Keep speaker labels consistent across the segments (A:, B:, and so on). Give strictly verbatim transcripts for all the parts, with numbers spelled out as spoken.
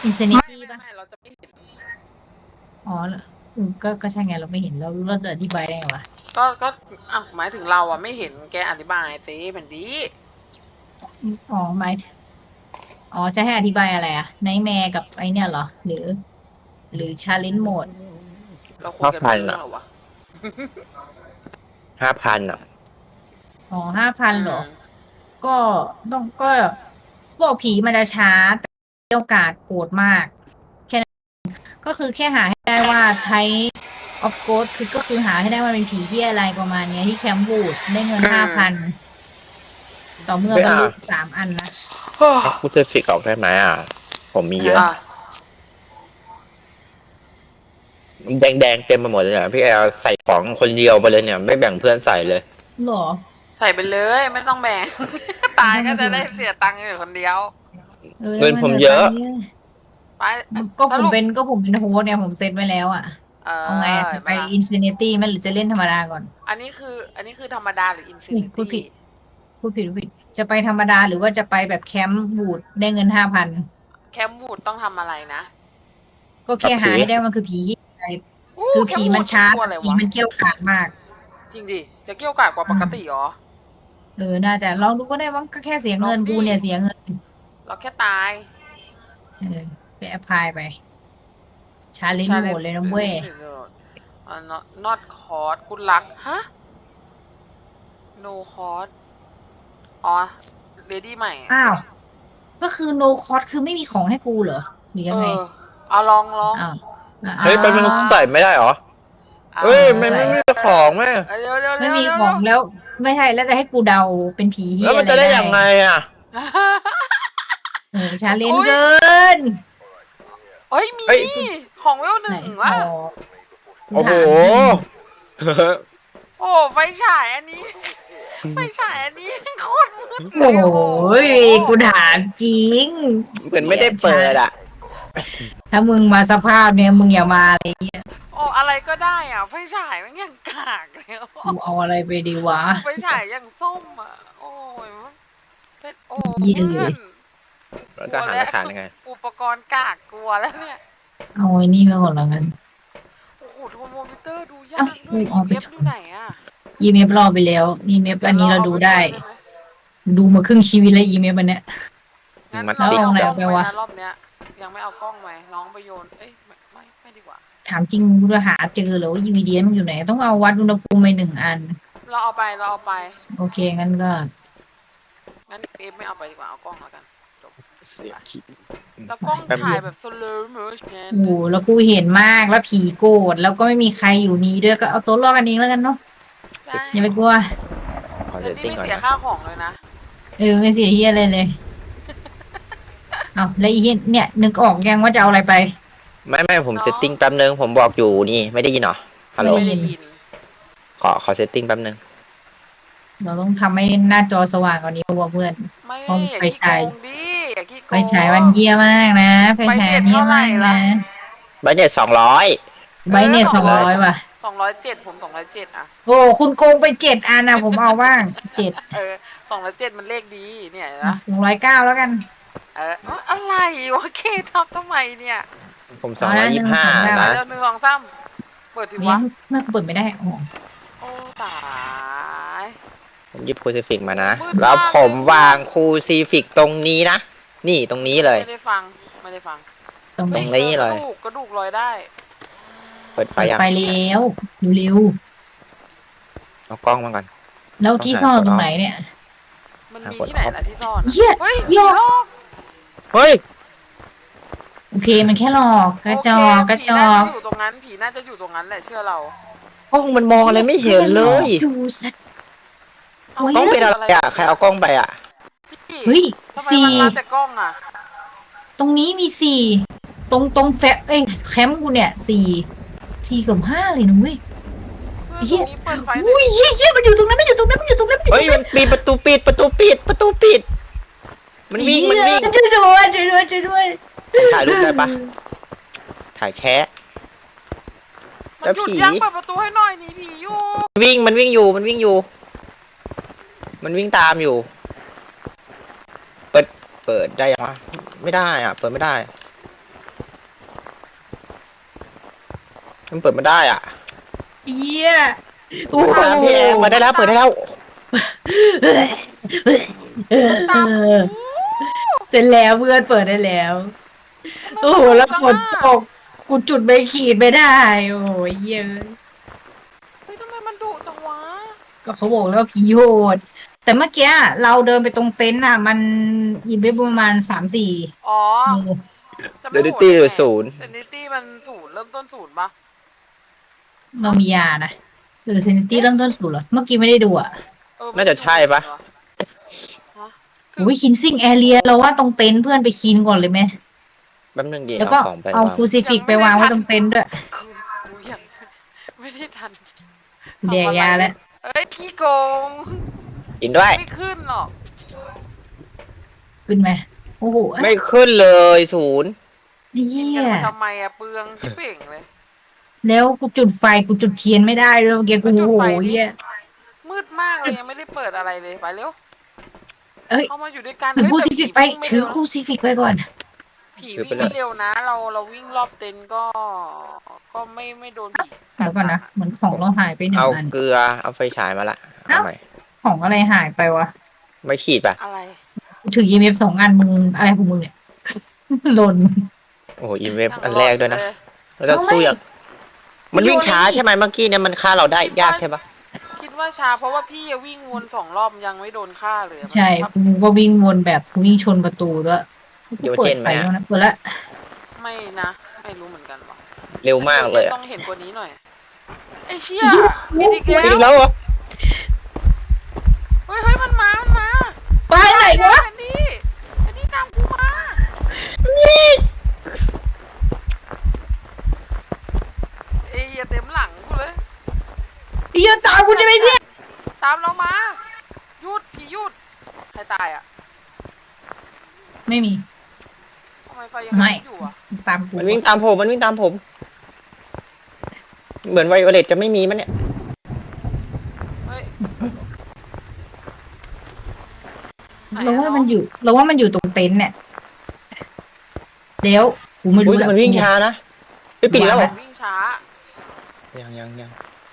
A: ไม่
B: Insanity ป่ะ
A: ไม่ไม่เราจะไม่เห็น
B: อ๋ออืมก็ก็ใช่ไงเราไม่เห็นเรารู้เราจะอธิบายได้ไงวะ
A: ก็ก็อ่ะหมายถึงเราอ่ะไม่เห็นแกอธิบายสิมันดี
B: อ๋อหมายอ๋อจะให้อธิบายอะไรอะไนท์แมร์กับไอเนี่ยเหรอหรือหรือชาเลนจ์โหมด
A: เราคุย
C: ห้า
A: กันไม่
C: พันอ่ะ
A: รู้เรื่องหรอวะ
C: ห้าพันอ่ะ
B: อ๋อห้าพัน
A: อื
B: เหรอ
A: ม
B: ก็ต้องก็พวกผีมันจะช้าแต่โอกาสโหดมากแค่นั้นก็คือแค่หาให้ได้ว่าไทออฟโกดคือก็คือหาให้ได้ว่าเป็นผีที่อะไรประมาณเนี้ยที่แคมป์บูดได้เงิน
A: อื
B: ห้าพัน
A: ม
B: ต่อเมื่อ
C: ไม่อ่ะ
B: บรรลุสามอันนะ
C: เอาคูเซฟิกออกได้ไหมอ่ะผมมีเยอะ
A: อ่ะ
C: แดงแดงๆเต็มไปหมดเลยเนี่ยพี่แอลใส่ของคนเดียวไปเลยเนี่ยไม่แบ่งเพื่อนใส่เลย
B: หรอ
A: ใส่ไปเลยไม่ต้องแบ่ง
B: เออ
A: ตาย
B: ถ้ามันถึง
A: ก็จะได้เสียตังค์อยู่คนเดียว
B: เออ
C: เงิน
B: ถ้ามันถึง
C: ผมเยอะ
B: ตอนนี้
A: ไป
B: ก็ผม
A: สรุป
B: เป็นก็ผมเป็นโฮสต์เนี่ยผมเซตไว้แล้วอ่ะ
A: เอ
B: เอาไง
A: อ
B: อ่ะจะไป
A: เห็นปะล่ะ
B: อินฟินิตี้ไหมหรือจะเล่นธรรมดาก่อน
A: อันนี้คืออันนี้คือธรรมดาหรืออินฟิ
B: อุ้ย
A: นิตี้
B: พูดผิดพูดผิดพูดผิดจะไปธรรมดาหรือว่าจะไปแบบแคมป์บูดได้เงินห้าพัน
A: แคมป์วูดต้องทำอะไรนะ
B: ก็แค่
C: กับผี
B: หาให้ได้ว่ามันคือผีที่อะไร
A: อู้
B: คือ
A: แคมป์วู
B: ผีมันช้า
A: ดน่ากลัว
B: แต่
A: อะไรวะ
B: ผีมันเกรี้ยวกราดมาก
A: จริงดิจะเกี่ยวกาดกว่าปก
B: อืม
A: ติเหรอ
B: เออน่าจะลองดูก็ได้ว่าก็แค่เสีย
A: ลองดิ
B: เงินกูเนี่ยเสียเงิน
A: เราแค่ตาย
B: เออไปแอพพลายไปชาเลนจ์โหมด
A: challenge
B: เลยนะเว้ย
A: อ่า not not cost good luck ฮะ no cost อ๋อ ready ใหม่
B: อ้าวก็คือโนคอ s คือไม่มีของให้กูเหรอหรือ
A: เอ
B: ยังไง
A: อเอาลองลอง
B: อ้าวอ่าอ่า
C: เฮ้ยไปมัน
B: ลอง
C: ใส่ไม่ได้เหรอ
A: เอา
C: เฮ้ย
B: เออ
C: มัน
B: ใส่
C: ไม่มีของแม่
A: เร็วเร็ว
B: ไม่มี
A: เร็วเร็วเร็ว
B: ของแล้วไม่ใช่แล้วจะให้กูเดาเป็นผีเฮี
C: แล้วมัน
B: ยอะไรได้
C: จะได้ยังไงอ่ะ
B: โอ้ชาเลนจ์
A: โอ้ย
B: เกิน
A: เฮ้ย มี
C: เฮ้ย
A: ของเวลห
B: ไหน
A: นึ่ง
B: อ๋อ
A: วะ
B: กู
C: โอ้โห
B: ถามจริง
A: โอ้ไฟฉายอันนี้ ไฟฉายอันนี้โคตรมืด
B: โอ
A: เลยโอ้โห้
B: ยกูถามจริง
C: เหมือนไม่ได้เปิดอ่ะ
B: ถ้ามึงมาสภาพเนี่ยมึงอย่ามาเลยเนี่ย
A: โอ้อะไรก็ได้อ่ะ ไฟฉายมันยังกากเลย
B: กูเอาอะไรไปดีวะ
A: ไฟฉายยังส้มอ่ะ โอ้ยเป็นโอ้
B: เยี่ยเล
A: เพื่อ
B: ย
A: น
C: เรา
A: กลัวแล้ว
C: จะหาหลักฐานยังไง
A: อุปกรณ์กากกลัวแล้วเนี่ย
B: เอาไอ้นี่มาก่อนแล้วกัน
A: โอ้โหโทรโมมิเตอร์ดู
B: เอ้า
A: ยากด้วย
B: กูเอาไป
A: อี เอฟ อยู่ไหนอ่ะ
B: อีเมฟรอไปแล้วอีเมฟอันนี้เราดูได้
A: เยวเราเอาปวยหม
B: ดูมาครึ่งชีวิตแล้วอีเมฟอันเนี้ย
A: งั้น
C: มัน
A: เรา
C: ติ
A: ไม่
C: ด
A: เอา
B: แล้ว
A: กล้
B: เอา
A: อง
B: ไหน
A: ไป
B: ไปวะ
A: นะรอบเนี้ย ยังไม่เอากล้องไปน้องไปโยน เอ้ยไม่ไม่ไม่ดีกว่า
B: ถามจริงกูจะหาเจอเหรอว่า อี วี ดี เอส มันอยู่ไหน ต้องเอาวัดอุณหภูมิไปหนึ่งอัน
A: เราเอาไปเราเอาไป
B: โอเค งั้นก็
A: งั้นเอฟไม่เอาไปดีกว่าเอากล้องแล้วกันจบ
C: เสียคิด
A: แล้วกล้อง
C: แป๊บ
A: ถ่า
C: เดี
A: ย
C: ยว
A: แบบ slow motion
B: โอ้โหแล้วกูเห็นมากแล้วผีโกรธแล้วก็ไม่มีใครอยู่นี้ด้วยก็เอาตัวรอดกันเองแล้วกันเนาะ
A: ใช่
B: อย่าไปกลัว
C: ขอเซ
A: แต่
C: ต
A: นี่
C: ติ้ง
A: ไม่
C: ก่อน
A: เสีย
C: นะ
A: ค่าของเลยนะ
B: เออไม่เสียเฮียอะไรเลย เอาแล้วอีเฮียเนี่ยนึกออกยังว่าจะเอาอะไรไป
C: ไม่ไม่ผม
A: เนอะ
C: เซตติ้งแป๊บนึงผมบอกอยู่นี่ไม่ได้ยินเหรอฮัลโหล
B: ไม่
A: ไม่
B: ได้
A: ได้
B: ยิน
A: ยิน
C: ขอขอเซตติ้งแป๊บนึง
B: เราต้องทำให้หน้าจอสว่างกว่านี้ว่ะเพื่อน
A: ไม่
B: เพราะ
A: อย่า
B: ไฟ
A: ขี้โก
B: ฉาย
A: งดิอย่าขี้โก
B: ไฟ
A: ง
B: ฉายมันเยี่ยมากนะไฟ
A: ไฟ
B: ฉาย
A: เน็ต
B: เยี่ย
A: เท่าม ไหร่
B: มาก
A: ล่ะ
B: นะ
C: ใบเน็ตสองร้อย
B: ใบเนี่ยสองร้อยว่ะ
A: สองร้อยเจ็ดผมสองร้อยเจ็ดอะ
B: โอ้คุณโกงไปเจ็ดอันนะผมเอาบ้างเจ็ด
A: เออสองร้อยเจ็ดมันเลขดีเนี่ยนะ
B: สองร้อยเก้าแล้วกัน
A: เออเอ้ยอะไรวะเคทับทำไมเนี่ย
C: ผมสองร้อยยี่สิบห้า
B: เอาละ
C: นะ
A: เดี๋ยวหนึ่งสองสามเปิดที
B: เฮ้
A: วะ
B: ยเมื่อเปิดไม่ได้อ๋อ
A: โอ้ตาย
C: ผมหยิบคูซิฟิกมานะ
A: มืดมาก
C: แล้วผม
A: เลย
C: วางคูซิฟิกตรงนี้นะ นี่ตรงนี้เลย
A: ไม่ได้ฟังไม่ได้ฟัง
B: ตรงไหน
C: ตรงนี้เลย
A: กระดูกกระดูกลอยได้
C: เปิดไฟ
B: เปิด
C: ยัง
B: ไฟแล้วเร็ว
C: เอากล้องมาก่อน
B: ๆแล้วที่ซ่อนตรงไหนเนี่ย
A: มัน
C: หา
A: มี
C: กด
A: ที่ไหน
C: ออฟ
A: ล่ะที่ซ่อนอะ
B: เหี้ย
A: เฮ้ย
B: หยอก
A: ผีหลอก
C: เฮ้ย
B: โอเคมันแค่หลอกกระจอ
A: โอก เค
B: กระ
A: ผี
B: จ
A: น่า
B: อ
A: จะ
B: ก
A: อยู่ตรงนั้นผีน่าจะอยู่ตรงนั้นแหละเชื่อเรา
C: กล้องมันมองอะไรไม่เห็นเลย
B: ดูสัตว์
A: เอา
B: โอ้ย
C: กล้องเป็นอะไรอ่ะใครเอากล้องไปอ่ะ
A: พี่
B: เฮ้ย
A: ทำไม
B: สี่
A: มันรับแต่กล้องอะ
B: ตรงนี้มีสี่ตรงตรงแฟบเอ้ยแคมป์กูเนี่ยสี่สี่กับห้าเลยนะเว้ย
A: เพื่อน
B: เหี้
A: ตร
B: ย
A: งนี้เปิดไฟหน่
B: อุ้
A: อย
B: ยเฮียเฮียมันอยู่ตรงนั้นมันอยู่ตรงนั้นมันอยู่ตรงนั้นมันอยู่ต
C: เฮ้
B: ร
C: ย
B: งนั้น
C: มันปิดประตูปิดประตูปิดประตูปิด มันวิ่งมันวิ่ง
B: ช่วยด้วยช่วยด้วยช่วยด้วย
C: ถ่ายรูปได้ปะถ่ายแชะ
A: มัน
C: แล้ว
A: หยุด
C: ผี
A: ยังเปิดประตูให้หน่อยหนีผีอยู่
C: วิ่งมันวิ่งอยู่มันวิ่งอยู่ มันวิ่งตามอยู่ เปิดเปิดได้ยังวะไม่ได้อ่ะ เปิดไม่ได้มันเปิดไม่ได้อ่ะ
B: เยี่ยโอ้
C: เปิด
B: โห
C: ตามพี่แอร์มาได้แล้วเปิดได้แล้ว
A: ตามกู
B: เสร็จแล้วเพื่อนเปิดได้แล้ว โอ้โหแล้วฝนตกกูจุดไม่ขีดไม่ได้ โอ้ยเยอะ
A: เฮ้ยทำไมมันดุจังวะ
B: ก็เขาบอกแล้วว่าผีโหดแต่เมื่อกี้เราเดินไปตรงเต็นท์อ่ะ มันอีเวนต์ประมาณสามสี่
A: อ๋อ
B: โล
A: จะ
C: เซ
A: ไม่
C: นิ
A: โหด
C: ตี้
A: ได้
C: หรือ
A: ไง
C: ศูนย์
A: เซนิตี้มันศูนย์เริ่มต้นศูนย์ปะ
B: เรามียานะหรือเซนิตี้เริ่มต้นศูนย์เหรอ เมื่อกี้ไม่ได้ดูอ่ะ
A: เออ
C: น่าจะใช่ปะ
A: ฮะ
B: โอ้ยคินซิ่งแอเรียเราว่าตรงเต็นท์เพื่อนไปคินก่อนเลยไหม
C: แป๊บนึงดี
B: แล้ว
C: เอา
B: ก็
C: ของไป
B: เอา
C: วาง
B: ครูซิฟิกไปวางไว้ตรงเต็นท์ด้วย
A: กูกูยังไม่ได้ทัน
B: แดกยาแล้ว
A: เอ้ยพี่โกง
C: กินด้วย
A: ไม่ขึ้นหรอก
B: ขึ้นไหมโอ้โห
C: ไม่ขึ้นเลยศูนย์
B: เฮี
A: กิน
B: ย
A: กันมาทำไมอะเปลืองที่เป่งเลย
B: แล้วกูจุดไฟกูจุดเทียนไม่ได้เลยเมื่อกี้กู
A: ก็จุด
B: โอ้โห
A: ไฟดิ
B: เฮีย
A: มืดมากเลยยังไม่ได้เปิดอะไรเลยไปเร็ว
B: เอ้ย
A: เข้ามาอยู่ด้วยกัน
B: ถือ
A: เฮ้ย
B: ครู
A: แต่
B: ซิฟิกไป
A: วิ่งม่
B: ถือ
A: เร็ว
B: ครูซิฟิกไปก่อน
A: ผีวิ่งไม่เร็วนะ เราเราวิ่งรอบเต็นท์ก็ ก็ไม่ไม่โดนผีกั
B: เดี๋ยวก่อนนะเหมือนของเราหายไปหนึ่ง
C: เอา
B: อัน
C: เกลือเอาไฟฉายมาละเอาใหม่
B: ของอะไรหายไปวะ
C: ไม่ขีดป่ะ
A: อะไร
B: กูถือ อี เอ็ม เอฟ สองอันมึงอะไรของมึงเนี่ย หล่น
C: โอ้โหอีเว็บอันแรกด้วยนะ
A: เลย
C: เราจะสู้อย่างมันวิ่งช้าใช่ไหมเมื่อกี้เนี่ยมันฆ่าเราได้ยากใช่ปะ
A: คิดว่าช้าเพราะว่าพี่อะวิ่งวนสองรอบยังไม่โดนฆ่าเลยอะ
B: ใช่กูก็วิ่งวนแบบกูวิ่งชนประตูด้วยกูเปิดไฟแล้วนะเปิดละ
A: ไม่นะ ไม่รู้เหมือนกันว่ะ
C: เร็วมากเลยอะ
A: ต้องเห็นกว่านี้หน่อยไอ้เชี่ยมีดีเก
C: อีก
A: ล
C: แล้วเหรอ
A: เฮ้ยเฮ้ยมันมา มันมา
B: ไปไหนวะ
A: แอนดี้แอนดี้ตามกูมาเอ้ยอย่าเต็มหลังกูเลย
B: เฮียตามกูจะไปเนี่ย
A: ตามเรามาหยุดผีหยุดใครตายอ่ะ
B: ไม่มี
A: ทำไมไฟยัง
B: ไม่
A: อยู่อ่ะ
B: ตามกู
C: มันวิ่งตามผมมันวิ่งตามผม เหมือนไวโอเลตจะไม่มีมันเนี่ย
A: เฮ้ย
B: เราว่ามันอยู่เราว่ามันอยู่ตรงเต็นท์เนี่ยเดี๋ยวกูไม่รู้
C: อุ้ย
B: ละ
C: มันวิ่งช้านะไม่ปิดแล้วเหรอ
A: วิ่งช้า
C: ยังยังยัง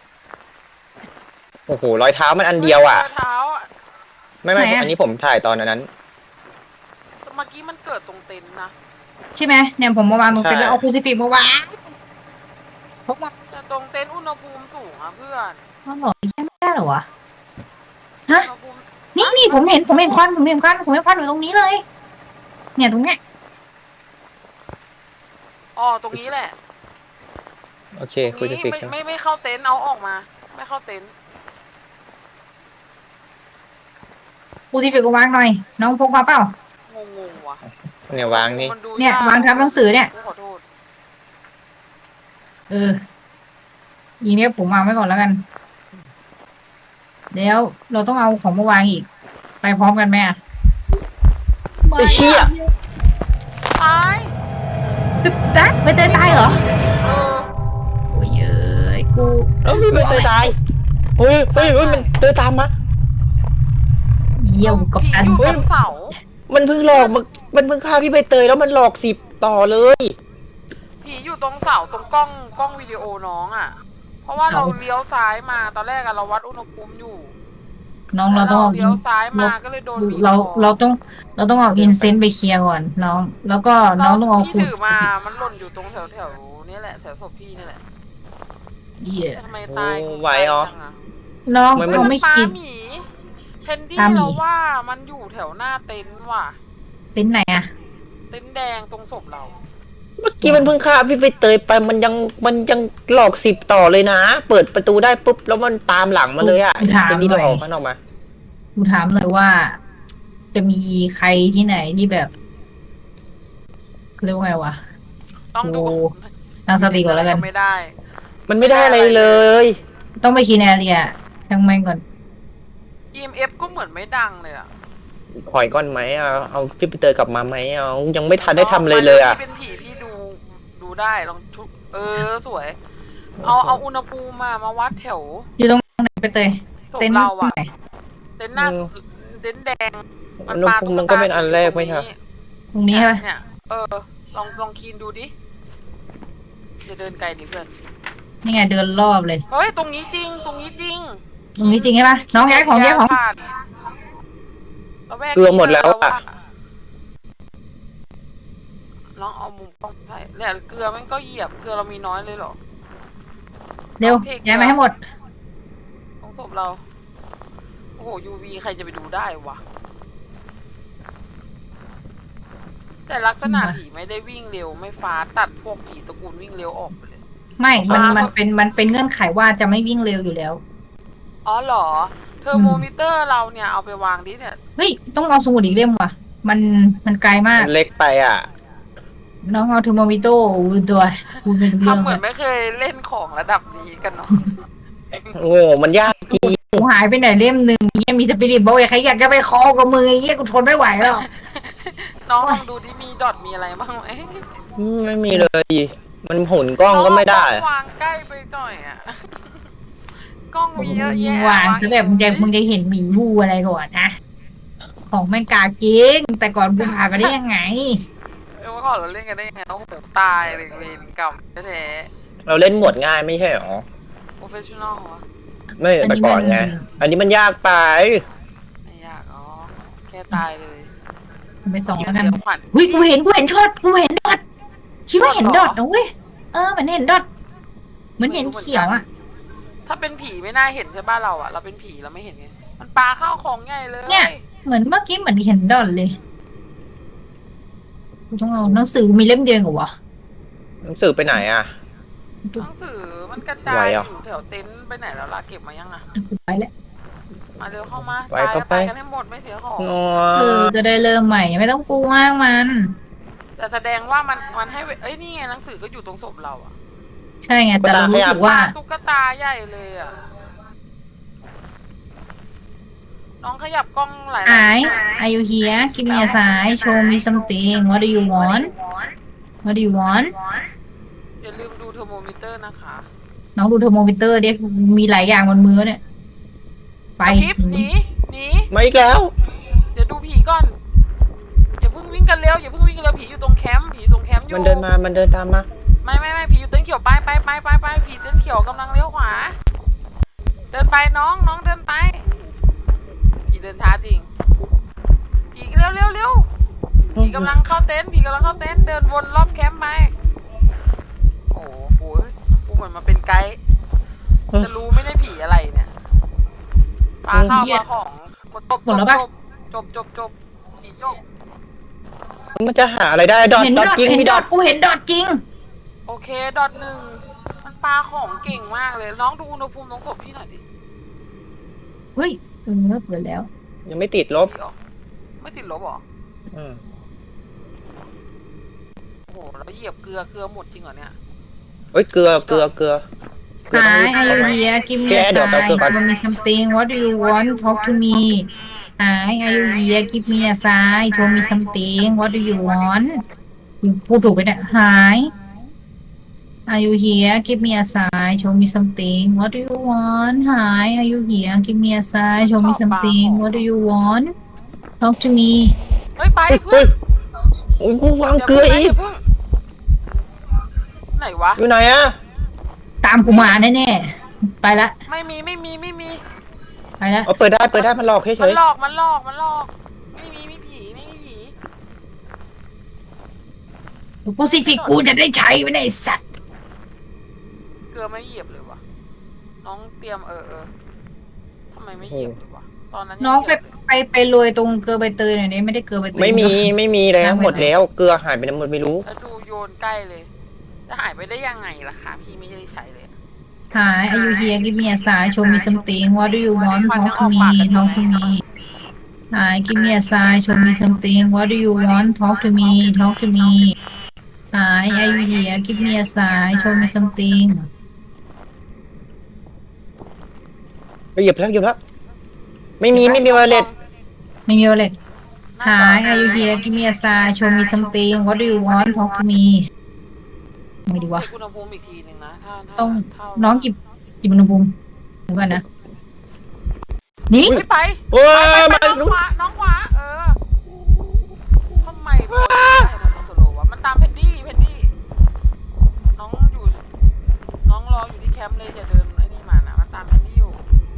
C: โอ้โหรอยเท้ามันอันเดียวอ่ะ
A: ฮ้เท้าอ่ะ
C: ไม่ไม่อันนี้ผมถ่ายตอนนั้น
A: เมื่อกี้มันเกิดตรงเต็นท์นะ
B: ใช่ไหมเนี่ยผมมาวางตรงเต็นท์
C: ใช่
B: แล้วเอาครูซิฟิกมาวางพกมา
A: แต่ตรงเต็นท์อุณหภูมิสูงอ่ะเพื่อน
B: อ๋อเหรอแค่ไม่ได้เหรอวะ ฮะ
A: อุณหภูมิ
B: นี่นี่ผมเห็นผมเห็นควันผมเห็นควันผมเห็นควันอยู่ตรงนี้เลย เนี่ยตรงเนี้ย
A: อ๋อตรงนี้แหละ
C: โอเค
A: ต
C: คุ
A: ร
C: ย
A: ง
C: จะ
A: นี้
C: ฟิก
A: ไม่
C: ใช่ไหม
A: ไม่ไม่เข้าเต็นท์เอาออกมา ไม่เข้าเต็นท์
B: ครูซิฟิกก็วางหน่อย น้องพกมาเปล่า
A: งงงๆว่ะ
C: เนี่ยวางนี่
A: มัดู
B: เนี่ย
A: ก
B: วางทับหนังสือเนี่ย
A: กูขอโทษ
B: เออ อีเนี้ยผมวางไว้ก่อนแล้วกัน แล้วเราต้องเอาของมาวางอีก ไปพร้อมกันไหมอะ
C: ไอ้เชี่ย
A: ตาย
B: ตายไม่เตยตายเหรอ
A: เออ
B: โอ้ยเอ้ยกู
C: แล้วมีมันเตยตายเฮ้ยเฮ้ยเฮ้ยมันเตยตามมา
B: เยี่ยวกับ
A: ผี
B: อัน
A: อยู่
C: เฮ้
A: ต
C: ย
A: รงเสา
C: มันเพิ่งหลอกมันมันเพิ่งฆ่าพี่ใบเตยแล้วมันหลอกสิบต่อเลย
A: ผีอยู่ตรงเสาตรงกล้องกล้องวิดีโอน้องอ่ะ เพราะว่าเราเลี้ยวซ้ายมาตอนแรกอะเราวัดอุณหภูมิอยู่
B: น้องเราต้องเอา
A: เลี้ยวซ้ายมาก็เลยโดนบีบ
B: เรา
A: คอ
B: เราต้องเราต้องเอาอินเซนต์ไปเคลียร์ก่อนน้อง แล้วก็น้องต้องเอา
A: พี่ถือมา มันหล่นอยู่ตรงแถวแถวๆนี้แหละแถวศพพี่นี่แหละ
B: เหี้ย
A: แต่ทำไมตาย
C: โอ้ไหวเหรอ
A: จังะ
B: น้อง
C: มัน
B: เรา
A: มัน
B: ไม่
A: ปลา
B: กิน
A: หมีเพนดี้
B: ปลาหมี
A: เราว่ามันอยู่แถวหน้าเต็นท์ว่ะ
B: เป็นไหนอะ
A: เต็นท์แดงตรงศพเรา
C: เมื่อกี้มันเพิ่งฆ่าพี่ใบเตยไปมันยังมันยังหลอกสิบต่อเลยนะ เปิดประตูได้ปุ๊บแล้วมันตามหลังมาเลยอ่ะเป็นที่เราออกข้างนอกมา
B: กูถามเลยว่า จะมีใครที่ไหนที่แบบเรียกว่าไงวะ
A: ต้องดู
B: โอ้ ตั้งสติก่อนแล้วกัน
A: ไม่ได้
C: มันไม่ได้อะไรเลย
B: ต้องไปคีแนเรียช่างแม่งก่อน
A: อี เอ็ม เอฟ ก็เหมือนไม่ดังเลยอะ
C: หอยก้อนไหมเอาเอาพี่ใบเตยกลับมาไหมเอายังไม่ทันได้ทำเลยเลยอ่ะ
A: พี่เป็นผีพี่ดูดูได้ลองชุบเออสวย เอาเอาอุณหภูมิมามาวัดแถว
B: อยู่ตรงไหนไปเตย
A: ศพ
B: เต็นท์
A: เราอะ
B: ไหน
A: เต็นท์หน้า
C: อืม
A: เต็นท์แดง
C: อุณหภูมิมันก็เป็นอันแรกไหมครับ
B: ตรงนี้ใช่ไหม
A: เนี่ยเออลองลองคีนดูดิอย่าเดินไกลดิเพื่อน
B: นี่ไงเดินรอบเลย
A: เฮ้ยตรงนี้จริงตรงนี้จริง
B: ตรงนี้จริงใช่ปะน้องย้ายของย้ายของ
A: ผ่านระแวก
C: เกลือหมดแล้วอะ
A: น้องเอามุมกล้องใช่แล้วเกลือมันก็เหยียบเกลือเรามีน้อยเลยเหรอ
B: เร็วย้ายมาให้หมด
A: ตรงศพเราโอ้โหยูวีใครจะไปดูได้วะแต่ลักษณะผีไม่ได้วิ่งเร็วไม่ฟ้าตัดพวกผีตระกูลวิ่งเร็วออกไปเลย
B: ไม่มัน
A: ฟ้ามั
B: มันเป็นมันเป็นเงื่อนไขว่าจะไม่วิ่งเร็วอยู่แล้ว
A: อ๋อเหรอเทอร์โมมิเตอร์เราเนี่ยเอาไปวางดิเนี่ย
B: เฮ้ยต้องเอาสมุดอีกเล่มว่ะ มันมันไกลมาก
C: มันเล็กไปอ่ะ
B: น้องเอาเทอร์โมมิโต้ตัวคุณเป็นเรื่อง
A: ทำเหมื
B: เล
A: อน
B: ย
A: ไม่เคยเล่นของระดับนี้กันเนาะ
C: โอ้มันยากจริง
B: กูหายไปไหนเล่มหนึ่งเยี่ยมีสปิริตบอกอย่าใครอยากจะไปคอกับมือไอ้เยี่ยกูทนไม่ไหวแล้ว
A: น้องลองดูที่มีดอทมีอะไรบ้างไหม
C: ไม่มีเลย มันหมุนกล้องก็ไม่ได้
A: น้องวางใกล้ไปหน่อยอ่ะ กล้องมีเยอะ
B: ยิง
A: แยะ
B: วางซะแบบมึงจะมึงจะเห็นหมีผู้อะไรก่อนนะ ของแม่งกาจริงแต่ก่อนกูผ่านมาได้ยังไง
A: เออเมื่อก่อนเราเล่นกันได้ยังไงโอ้โหตายเลยเวรกรรมแท้
C: เราเล่นหมวดง่ายไม่ใช่หรอ
A: ๆโปรเฟชชั่นอลเหรอ
C: ไม่
B: อันนี้
C: แต่ก่อน
B: มัน
C: ไง อันนี้มันยากไป
A: ไม่ยากอ๋อแค่ตายเลย
B: ไปส่องแล้วกัน
A: เดี๋ยวขวัญ
B: หุ้ยกูเห็นกูเห็นช็อตกูเห็นดอทคิดว่าเห็นดอทนะเว้ยเออเหมือนเห็นดอทเหมือนเห็นเขียวอ่ะ
A: ถ้าเป็นผีไม่น่าเห็นใช่ป่ะเราอะเราเป็นผีเราไม่เห็นไงมันปลาข้าวของใหญ่เลย
B: เนี่ย เหมือนเมื่อกี้เหมือนเห็นดอทเลยกูต้องเอาหนังสือมีเล่มเดียวเหรอวะ
C: หนังสือไปไหนอ่ะ
A: หนังสือมันกระจา
C: ไหวย เหรอ
A: อยู่แถวเต็นท์ไปไหนแล้วล่ะเก็บมายังอะ
B: กูไปแล้ว
A: มาเร็วเข้ามา
C: ไหว
A: ตาย
C: ก็
A: ก็
C: ไป
A: ตายกันให้หมดไม่เสียของ
C: อ๋อ
B: คือจะได้เริ่มใหม่ไม่ต้องกลัวมากมัน
A: แต่แสดงว่ามันมันให้เวเอ้ยนี่ไงหนังสือก็อยู่ตรงศพเราอะ
B: ใช่ไงแต่เรารู้สึกว่า
A: ตุ๊กตาใหญ่เลยอะน้องขยับกล้องหลาย
B: ไอ้ are you here give me a sign show me something what do you want what do you want
A: อย่าลืมดูเทอร์โมมิเตอร์นะคะ
B: น้องดูเทอร์โมมิเตอร์ดิมีหลายอย่างบนมือเนี่ย ไป
A: กระพริบหนีหนี
C: มาอีกแล้ว
A: เดี๋ยวดูผีก่อนอย่าเพิ่งวิ่งกันเร็วอย่าเพิ่งวิ่งกันเร็วผีอยู่ตรงแคมป์ผีอยู่ตรงแคมป์อยู่
C: มันเดินมา มันเดินตามมา
A: ไม่ไม่ไม่ผีอยู่เต็นท์เขียวไปไปไปไปไปผีเต็นท์เขียวกำลังเลี้ยวขวา เดินไปน้องน้องเดินไปผีเดินช้าจริงผีเร็วเร็วเร็วผีกำลังเข้าเต็นท์ผีกำลังเข้าเต็นท์เดินวนรอบแคมป์ไปโอ้โหกูเหมือนมาเป็นไกด์จะรู้ไม่ได้ผีอะไรเนี่ยปลาข้าวปลาของจบ
B: หมดแล้วปะ
A: จบจบจบผีจบ
C: มันจะหาอะไรได้ ดอท
B: เห็น
C: ด
B: ด
C: อ
B: อ
C: ท
B: ท
C: จริง
B: เห็น
C: มี
B: ด
C: ด
B: อ
C: อ
B: ท
C: ท
B: กูเห็นดอทจริง
A: โอเคดอทหนึ่งมันปลาของเก่งมากเลยน้องดูอุณหภูมิตรงศพพี่หน่อยดิ
B: เฮ้ยเออเปิดแล้ว
C: ยังไม่ติดลบ
A: พี่ออกไม่ติดลบเหรอ
C: อืม
A: โอ้โหแล้วเหยียบเกลือเกลือหมดจริงเหรอเนี่ย
C: เอ้ย เกลือ เกลือ เกลือ เกลือ
B: Hi
C: ต้อง
B: are
C: รี
B: you
C: บ
B: here give me
C: แก
B: a
C: เดี๋ยวแป๊บ
B: sign
C: เดียวก่อน
B: show me something what do you want talk to me Hi are you here give me a sign show me something what do you want พูดถูกไปเนี่ย Hi are you here give me a sign show me something what do you want Hi are you here give me a sign show me something what do you want talk to me
A: เฮ้ยไป
C: เฮ้ย
A: เพื่
C: เฮ้
A: อย น
C: โอ้ยกูวางเกลืออีก
A: ย่าเพิ่งไหนวะ
C: อยู่ไหนอะ
B: ตามกูมาแน่ๆไปละ
A: ไม่มีไม่มีไม่มี
B: ไปละ
C: เอาเปิดได้ เปิดได้ มันหลอกเฉ
A: มัน
C: ย
A: หลอกมันหลอกมันหลอก ไม่มีไม่ผีไม่มีผี
B: กูสิฟิกกูจะได้ใช้ไม่ได้สัตว์
A: เกลือไม่เหยียบเลยวะน้องเตรียมเออเออทำไมไม่เหยียบเลยวะตอนนั้นยั
B: น้องไป
A: เหยียบเลย
B: ไปไปโรยตรงเกลือใบเตยหน่อยนี้ไม่ได้เกลือใบเตย
C: ๆไม่มี ไม่มีแล้ว
B: ตั้งไว้
C: หมดแล้ว เกลือหายไปไหนหมดไม่รู้
A: แล้วดูโยนใกล้เลย จะหายไปได้ยังไงล่ะคะพี่ไม่ได้ใช้เลย
B: Hi are you here give me a sign show me something what do you want talk to me talk to me Hi give me a sign show me something what do you want talk to me talk to me Hi are you here give me a sign show me something
C: เหยียบแล้วเหยียบแล้ว ไม่มี ไม่มีวอลเล็ต
B: ไม่มีอะไร Hi are you here give me a sign show me something what do you want talk to me ไม่ดีวะ
A: เช็คอุณหภูมิอีกทีหนึ่งนะถ้าถ้า
B: ต้อง
A: ถ้า
B: น้องกิบกิบอุณหภูมิเดี๋ยวก่อนนะ นี่
A: ไม่ไป
C: โอ้ย
A: ไป
C: มัน
A: น้องขวาน้องขวาเออทำไมโพสต์ได้มันต้องสโลว์วะมันตามเพนดี้เพนดี้น้องอยู่น้องรออยู่ที่แคมป์เลยอย่าเดินไอ้นี่มานะมันตามแพนดี้อยู่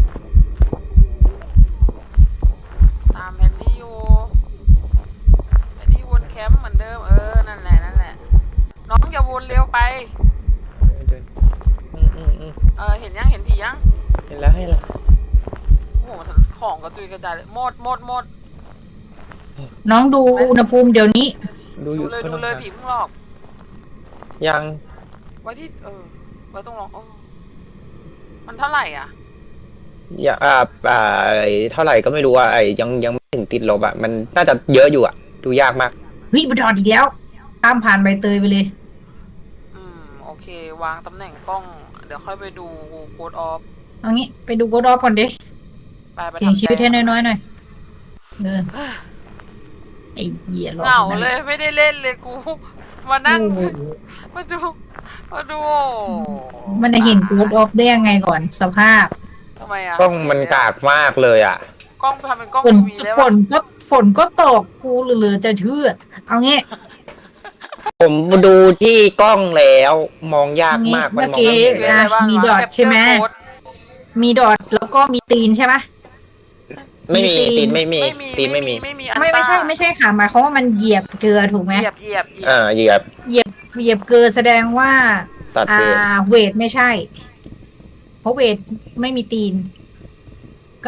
A: ตามแพนดี้อยู่แพนดี้วนแคมป์เหมือนเดิมเออนั่นแหละนั่นแหละน้องอย่าวนเร็วไป
C: เดินอืมอืมอืม
A: เออเห็นยังเห็นผียัง
C: เห็นแล้วให้ละ
A: โอ้โหของกระจุยกระจายเลยหมดหมดหมด
B: น้องดูอุณหภูมิเดี๋ยวนี้
C: ดูอ
A: ดู
C: ยู่
A: เลย
C: ไม่
A: ดู
C: ต้อง
A: เลย
C: หา
A: ผีเพิ่งหลอก
C: ยัง
A: ไว้ที่เออไว้ตรงหลอกโอ้มันเท่าไหร่อ่ะ
C: อย่าอ่าอ่าไอ้เท่าไหร่ก็ไม่รู้อ่ะไอ้ยังยังไม่ถึงติดลบอ่ะมันน่าจะเยอะอยู่อ่ะ ดูยากมาก
B: เฮ้ยบดอดอีกแล้วข้ามผ่านใบเตยไปเลย
A: อืมโอเควางตำแหน่งกล้อง เดี๋ยวค่อยไปดูโค้ดออฟ
B: เอางี้ไปดูโกดอฟก่อนดิ
A: ไปไป
B: เสียง
A: ทำ
B: ชีวิต
A: แต้
B: ให้
A: ม
B: น้อยๆหน่อยเออไอ้เหี้ยหลอก
A: เหงา
B: นั่น
A: เล
B: แห
A: ย
B: ละ
A: ไม่ได้เล่นเลยกู มานั่ง
B: โอ้โห
A: มาดูมาดู
B: มันจะเห็นโกดออฟได้ยังไงก่อนสภาพ
A: ทำไมอ่ะ
C: กล้องมันกากมากเลยอ่ะ
A: กล้องทำเป็นกล้อง
B: ฝน
A: ทีวีได้
B: ฝ
A: ปะ
B: นก็ฝนก็ตกกูเหลือๆจะเชื่อเอางี้
C: ผมดูที่กล้องแล้วมองยากมาก
B: เมื่
C: มัน
B: อ
C: มอง
B: กี้
C: ไม่เห็นเลย
B: อ่ะ มีดอทใช่ไหม มีดอทแล้วก็มีตีนใช่ปะ
C: ไม่มี
B: มีตีน
C: ตีนไม่มี
A: ไม่มี
C: ตีนไม่มี
A: ไม่มีอัน
B: ไม่ไม่ใช่ไม่ใช่ค่ะหมายความว่ามันเหยียบเกลือถูกไหม
A: เหยียบเหยียบเหยียบ
C: อ่าเหยียบ
B: เหยียบเหยียบเกลือแสดงว่า
C: ตัด
B: อ่า
C: เวท
B: เวทไม่ใช่ เพราะเวทไม่มีตีน ก็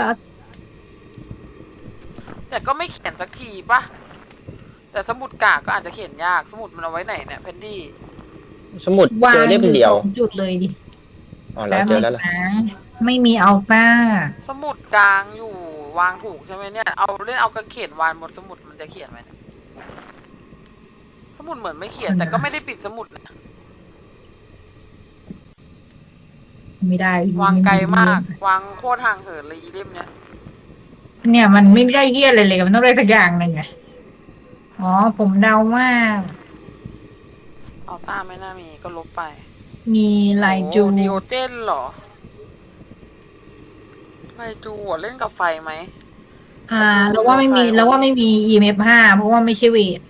A: แต่ก็ไม่เขียนสักทีปะแต่สมุดกากก็อาจจะเขียนยากสมุดมันเอาไว้ไหนเนี่ยเพนดี้
C: สมุด
B: วาง
C: เจอเล่ม
B: อยู่
C: เดีย
B: ส
C: ว
B: องจุดเลยดิ
C: อ๋อเราเจอแล้วเหรอ
B: นะไม่มีอัลต้า
A: สมุดกลางอยู่วางถูกใช่ไหมเนี่ยเอาเล่นเอากระเขียนวางบนสมุดมันจะเขียนไหมเนี่ยสมุดเหมือนไม่เขียนแต่ก็ไม่ได้ปิดสมุดนะ
B: ไม่ได้
A: วางไกลมาก วางโคตรห่างเหินเลยอีเล่มเนี่ย
B: เนี่ยมันไม่ได้เยี่ยอะไรเลยมันต้องได้สักอย่างหนึ่งไงอ๋อผมเดาว่า
A: เอาต้าไม่น่ามีก็ลบไป
B: มีลายจู
A: โอ้ดิโอเจนเหรอไลจูอ่ะเล่นกับไฟไหม
B: อ่าแล้วว่าไม่มีแล้วว่าไม่มี อี เอ็ม เอฟ ห้าเพราะว่าไม่ใช่เวท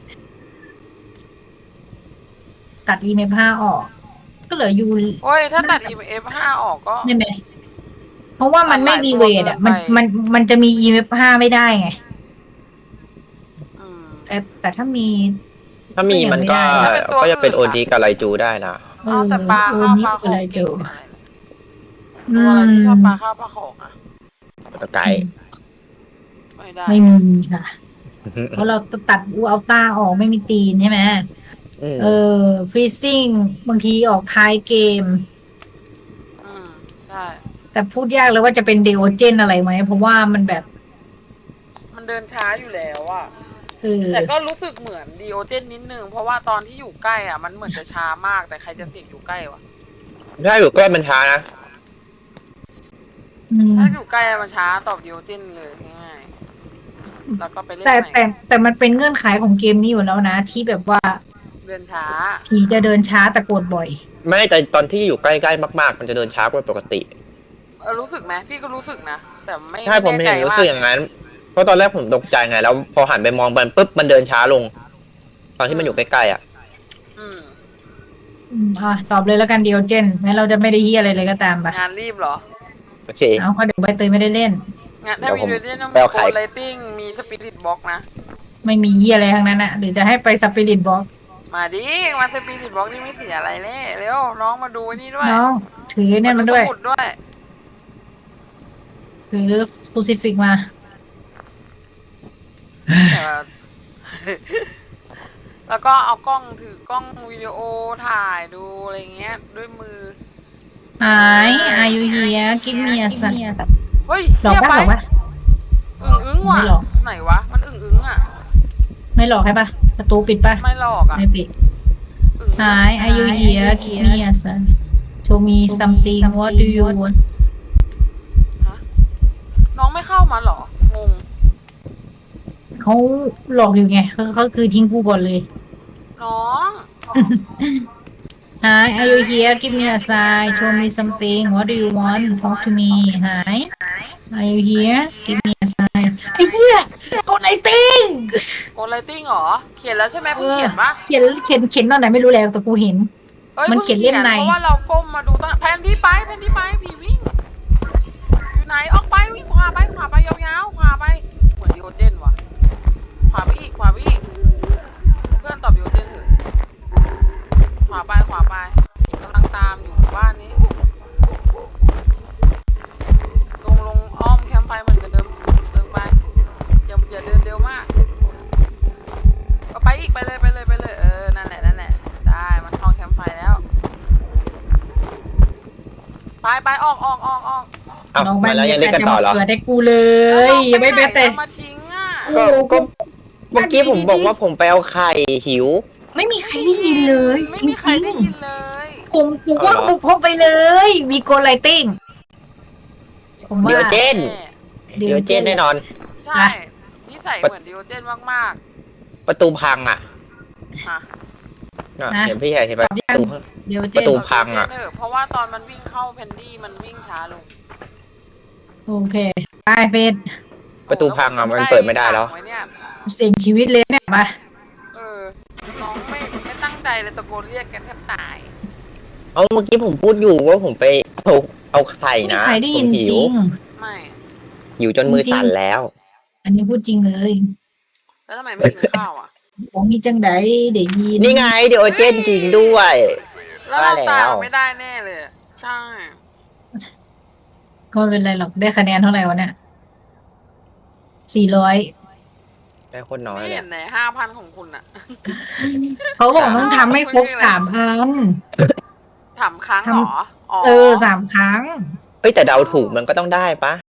B: ตัด อี เอ็ม เอฟ ห้าออก ก็เหลือยู
A: โอ้ยถ้าตัด อี เอฟ ห้า ออกก็
B: นี่ไหมเพราะว่ามันไม่มีเวทอ่ะ มันมันมันจะมี อี เอ็ม เอฟ ห้าไม่ได้ไง
A: อืม
B: แต่แต่ถ้ามี
C: ถ้ามีมันก็
A: ถ้าเป็นตัว
C: ก็จะเป็น
A: อื่
C: โอน
A: อะ
C: ดีกับไลจูได้นะ
B: เอ
A: เอา
B: อ
A: แต่ปลา
B: โอ
A: ข้าว
B: นี่
A: ปลาข
B: คือ
A: อง
B: อะไรเจ
A: เก่
B: อง
A: อะไร
B: อื
A: ตัวอะไรที่ชอบปลาม ข้าวปลาของอ่ะ
C: ไก่
A: ไม่ได้
B: ไม่มีค่ะ เพราะเราตัดอูอัลต้าออกไม่มีตีนใช่ไหม
C: อืม
B: เออฟรีซิ่งบางทีออกท้ายเกม
A: อืมใช่
B: แต่พูดยากเลยว่าจะเป็นเดโอเจนอะไรไหม เพราะว่ามันแบบ
A: มันเดินช้าอยู่แล้วอ่ะ
B: เออ
A: แต่ก็รู้สึกเหมือนดีโอเจนนิดนึง เพราะว่าตอนที่อยู่ใกล้อ่ะ มันเหมือนจะช้ามาก แต่ใครจะเสี่ยงอยู่ใกล้วะ
C: ถ้าอยู่ใกล้มันช้านะ
B: อืม
A: ถ้าอยู่ใกล้อะมันช้าตอบดีโอเจนเลยง่ายๆแล้วก็ไปเล่น
B: แต่
A: ใหม่
B: แต่แต่มันเป็นเงื่อนไขของเกมนี้อยู่แล้วนะ ที่แบบว่า
A: เดินช้า
B: ผีจะเดินช้าแต่กดบ่อย
C: ไม่แต่ตอนที่อยู่ใกล้ๆมากๆ มันจะเดินช้ากว่าปกติ
A: เออรู้สึกไหมพี่ก็รู้สึกนะ แต่ไม่
C: ใช่ผม
A: ไแน่
C: เห็น
A: ใจ
C: รู้
A: ว่า
C: สึกอย่างนั้น เพราะตอนแรกผมตกใจไง แล้วพอหันไปมองมันปุ๊บมันเดินช้าลง ตอนที่มันอยู่ใกล้ๆอ่ะ
A: อืม
B: อืมอ่ะตอบเลยแล้วกันเดโอเจนแม้เราจะไม่ได้เฮียอะไรเลยก็ตามไป
A: งานรีบเหรอ
C: โอเค
B: เอาก็เดี๋ยวใบเตยไม่ได้เล่น
A: งานถ้า
C: เดี๋
A: มี
C: ยวผม
A: เดเจนต้อง
C: ไป
A: มี
C: เอา
A: โก
C: ไข่
A: ลไลติ้งมีสปิริตบ็อกนะ
B: ไม่มีเฮียอะไรทั้งนั้นนะหรือจะให้ไปสปิริตบ็อก
A: มาดิมาสปิริตบ็อกนี่ไม่เสียอะไรเลยเร็วน้องมาดูนี่ด้วย
B: น้องถือเนี่ยมันด้วย
A: สมุดด้วย
B: ถือฟูซิฟิกมา
A: เออ แล้วก็เอากล้องถือกล้องวิดีโอถ่ายดูอะไรเงี้ย ด้วยมือ
B: Hi are you here give me a sign
A: เฮ้ย
B: หลอก
A: เหี้ย
B: ปะหลอกปะ
A: อึ้งอึ้งว่ะ
B: ไม่หลอก
A: ไหนวะ มันอึ้งอึ้งอ่ะ
B: ไม่หลอกให้ปะประตูปิดปะ
A: ไม่หลอกอ่ะ
B: ไม่ปิด
A: อึ้งอึ้ง
B: Hi are you here give me a sign show me something what do you want
A: ฮะน้องไม่เข้ามาเหรอ งง
B: เขาหลอกอยู่ไงเขาเขาคือทิ้งกูก่อนเลย
A: น้อง
B: Hi are you here give me a sign show me something what do you want talk to me Hi are you here give me a sign ไอ้เหี้ยกดไอติง
A: โกลไลติ้งเหรอ เขียนแล้วใช่ไหมเพิ่งเขียนปะ
B: เขียนเขียนเขียนตอนไหนไม่รู้แล้วแต่กูเห็น
A: อ้ย
B: มันเขียนเล่มใน
A: เพราะว่าเราก้มมาดูตอนแผนที่ไปแผนที่ไปผีวิ่งอยู่ไหนออกไปวิ่งขวาไปขวาไปยาวๆขวาไปเหมือนดิโอเจนว่ะขวาไปอีกขวาไปอีกเพื่อนตอบดิโอเจนเถอะขวาไปขวาไปอีกกำลังตามอยู่บ้านนี้ลงลงอ้อมแคมป์ไฟเหมือนเดิมเดินไปอย่าอย่าเดินเร็วมากเอาไปอีกไปเลยไปเลยไปเลยเออนั่นแหละนั่นแหละได้มันเข้าแคมป์ไฟแล้วไปไปออกออกออกออก
C: อ้าว
B: น้อง
C: มาแล้วยังเล่นกันต่อเหรอ
B: เกิดให้กูเลยยังไม่แม้แต่
A: เอามาทิ้งอ่ะ
C: ก็ก็เมื่อกี้ผมบอกว่าผมไปเอาไข่หิว
B: ไม่มีใครได้ยินเลย
A: ไม่
B: จริ
A: มีใครง ได้ยินเลย
B: ๆผมกูว่าบุกเข้าไปเลย มีโกลไลติ้ง ผมว่า
C: เดี๋ยวเจน
B: เดี๋
C: เดี๋
B: ย
C: ยว วเจนแน่นอน
A: ใช่นิสัยเหมือนดิโอเจนมาก
C: ประตูพังอ่ะ
A: ๆค่ะ
C: น่ะเห็นพี่ใหญ่เห็นประตู
B: เดี๋ยวเจ
C: ประ
B: น
C: ตู พังอะ
A: เเพราะว่าตอนมันวิ่งเข้าเพนดี้มันวิ่งช้าลง
B: โอเคไปเฟส
C: ประตูพังอ่ะมันเปิดไม่ได้แล้ว
A: ไว้เนี่ย
B: เสี่ยงชีวิตเลยเนี่ยมา
A: เออน้องไม่ไม่ตั้งใจเลยตะโกนเรียกกันแทบตาย
C: เอาเมื่อกี้ผมพูดอยู่ว่าผมไปเอาเอาไข่
B: ไม่มี
C: นะ
B: ใครได้
C: ผ
B: ยิ
C: ม
B: น
C: หิ
B: จ
C: ว
B: ริง
A: ไม่
C: หิวจนมือสั่นแล้ว
B: อันนี้พูดจริงเลย
A: แล้วทำไมไม่กินข้าวอ่ะ
B: ผมมีจังไดเดี๋ยวยิน
C: นี่ไงเดี๋ยวเจนจริงด้วย
A: แล้วเรา
C: ว่า
A: ตา
C: แล้
A: ยว ไม่ได้แน่เลยใช่
B: ก็ไม่เป็นไรหรอกได้คะแนนเท่าไหร่วะเนี่ยสี่ร้อย
C: ได้คนน้อย
A: ไม่
C: เล
A: เห็
C: ย
A: นไหนห้าพันของคุณอ่ะ
B: เขาบอกต้องทำให้ครบสามอัน
A: ถามครั้งเหรออ๋อ
B: เออสามครั้ง
C: เฮ้ยแต่เดาถูกมันก็ต้องได้ปะ